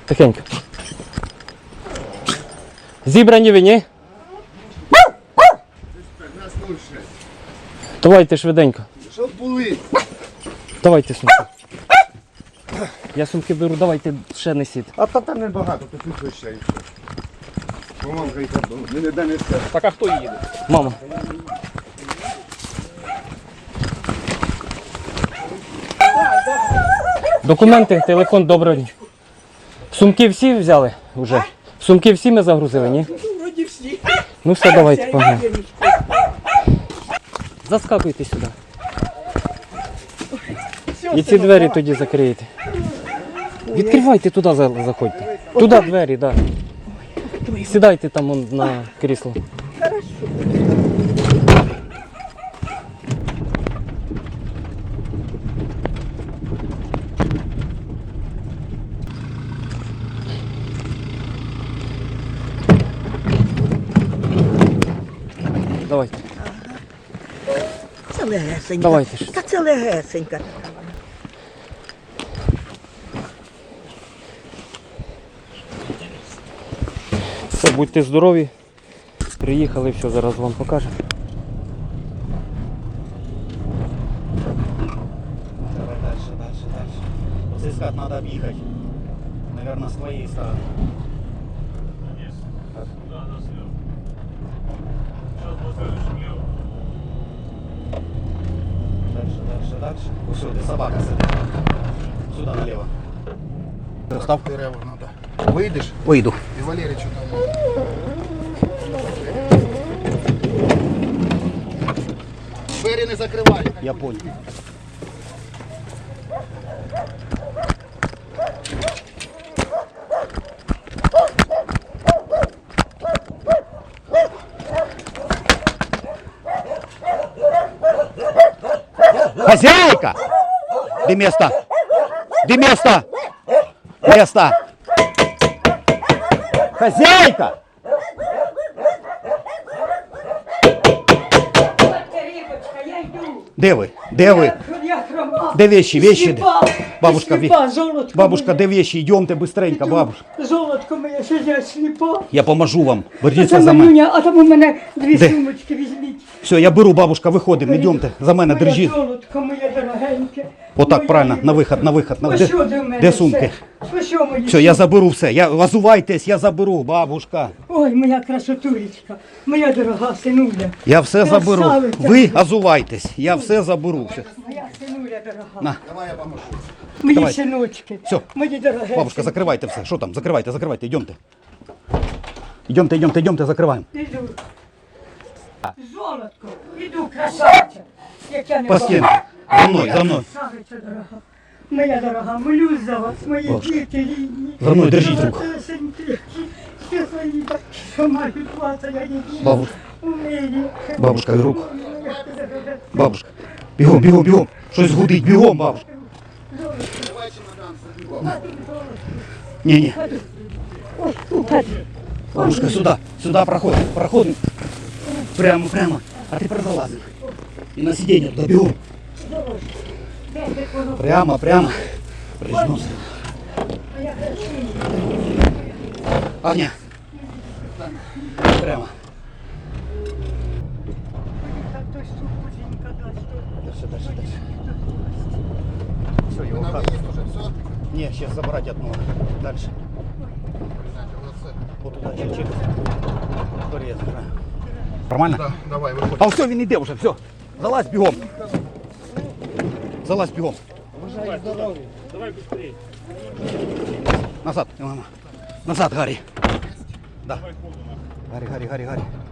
Тихенько. Зібрані ви, ні? Давайте швиденько. Щоб були. Давайте сумки. Я сумки беру, давайте ще несіть. А та там небагато, тут тут ще і все. Бо мамка і так не дане все. Так а хто їде? Мама. Документи, телефон, доброго дня. Сумки всі взяли вже? Сумки всі ми загрузили, ні? Вроді всі. Ну все, давайте, погнали. Заскакуйте сюди. І ці двері тоді закриєте. Відкривайте туди, заходьте. Туди двері, так. Да. Сідайте там вон, на крісло. Давайте. Це легесенька. Давайте ж. Та це легесенька. Все, будьте здорові. Приїхали, все, зараз вам покажемо. Давай дальше. Вот искать надо объехать. Наверное, с твоей стороны. Дальше. Вот сюда, собака сидит. Сюда налево. Став. Дерева треба. Вийдеш Выйду. і Валеричу там. Двері не закривай. Я понял. Хозяйка! Где место? Где место? Место! Хозяйка! Рибочка, я йду. Де ви? Де ви? Я хрома. Де вещи? Вещи? Сліпа. Бабушка, Сліпа, золотко бабушка, моє. де вещи? Идемте быстренько, Іду. бабушка. Золотко моє, що я сліпа. Я поможу вам. Це Беріться за мене. манюня, а там у мене дві Де? сумочки візьміть. Все, я беру, бабушка, виходимо, йдемте. За мене Моє держіть. золотко моє дорогеньке. Отак, Моя правильно, рибочка. на виход, на виход. Ось що до мене Де сумки? все. Ось що мої Все, я сумки. заберу все. Озувайтесь, я заберу, бабушка. Ой, моя красотулечка, моя дорога синуля. Я все заберу. Красавиця. Ви озувайтесь, я все заберу. Все. Моя синуля дорога. На. Давай я поможу. Мої Давай. синочки. Все. Мої дорогенькі. Бабушка, закривайте все. Що там? Закривайте, йдемте. Йдемте, закриваємо. Іду. Золотко, іду, красавця. Як я не По стінці. За мною. Красавиця дорога. Моя дорога, молюсь за вас, мої Бабушка. діти рідні. За мною держіть руку. Золотесенькі, щасливі, що мають вас, а я їх Бабушка. у мирі. Бабушка, руку. Бабушка. Бігом. Щось гудить, бігом, бабушка. Ні. Бабушка, сюди проходим. Прямо. А ти прозалазив. І на сидіння туди, бігом. Прямо. Прижмемся. Огня. Прямо. Дальше. Все, его На хат. виїзд уже, все. Не, сейчас забрать одного. Дальше. Вот туда, через. Который я забираю. Нормально? Да, давай, виходь. А все, він іде вже, все. Залазь бігом. Давай швидше. Назад, мама. Назад, Гаррі. Да. Гаррі.